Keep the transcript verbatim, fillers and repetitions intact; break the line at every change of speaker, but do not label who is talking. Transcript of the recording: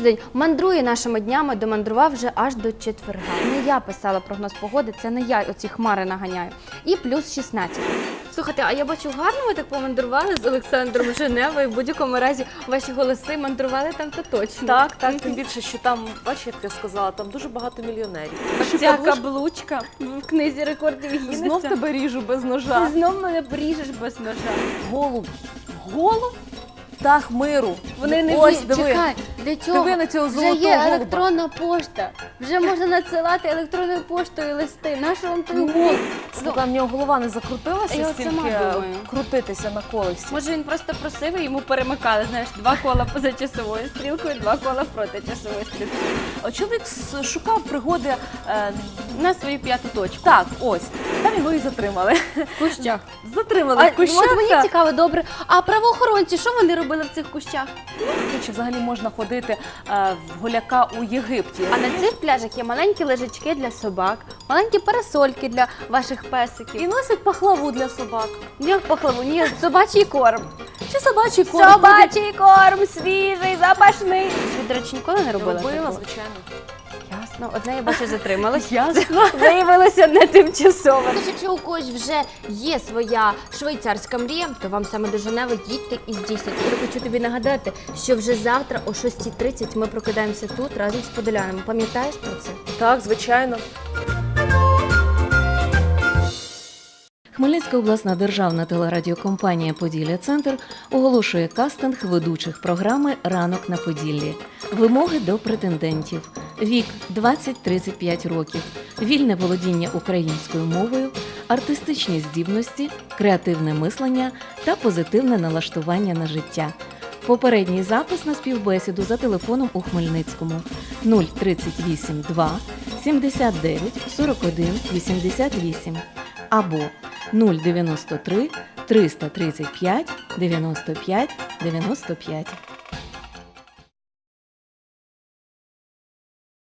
тиждень мандрує нашими днями, домандрував вже аж до четверга. Не я писала прогноз погоди, це не я оці хмари наганяю. І плюс шістнадцять. Слухайте, а я бачу, гарно ви так помандрували з Олександром Женевою. В будь-якому разі ваші голоси мандрували там то точно.
Так, так, тим більше, що там, бачиш, як я сказала, там дуже багато мільйонерів.
Ця каблучка в книзі рекордів Гіннеса.
Знов тебе ріжу без ножа.
Ти знов мене поріжеш без ножа.
Голуб. Голуб? Птах миру.
Вони не
Ось,
ві-
диви.
Чекай, для цього
Диви на цього
вже
золотого
є
голуба.
електронна пошта. Вже можна надсилати електронною поштою листи. Нащо вам той голуб?
Слухай, в нього голова не закрутилася
Я от
стільки
сама думаю.
крутитися на колесі.
Може він просто просив і йому перемикали, знаєш, два кола поза часовою стрілкою, два кола проти часової стрілки.
От чоловік с- шукав пригоди. Е,
На свою п'яту точку.
так, ось. Там його і затримали.
В кущах.
Затримали
А,
в кущах.
от мені цікаво, добре, а правоохоронці, що вони робили в цих кущах?
Чи взагалі можна ходити е, в голяка у Єгипті?
А на цих пляжах є маленькі лежачки для собак, маленькі парасольки для ваших песиків.
І носять пахлаву для собак.
Як пахлаву, ні, собачий корм.
Чи собачий корм?
Собачий корм, свіжий, запашний. Ви, до речі, ніколи не робила
Робила,
такого?
звичайно.
Ясно. Одне, я бачу, затрималась.
Ясно.
Виявилося не тимчасово. Тож, якщо у когось вже є своя швейцарська мрія, то вам саме до Женеви їдьте і здійсніть. Я хочу тобі нагадати, що вже завтра о шостій тридцять ми прокидаємося тут разом з подолянами. Пам'ятаєш про це?
Так, звичайно.
Хмельницька обласна державна телерадіокомпанія «Поділля-Центр» оголошує кастинг ведучих програми «Ранок на Поділлі». Вимоги до претендентів. Вік – двадцять-тридцять п'ять років, вільне володіння українською мовою, артистичні здібності, креативне мислення та позитивне налаштування на життя. Попередній запис на співбесіду за телефоном у Хмельницькому нуль тридцять вісім два сімдесят дев'ять сорок один вісімдесят вісім або нуль дев'яносто три триста тридцять п'ять дев'яносто п'ять дев'яносто п'ять.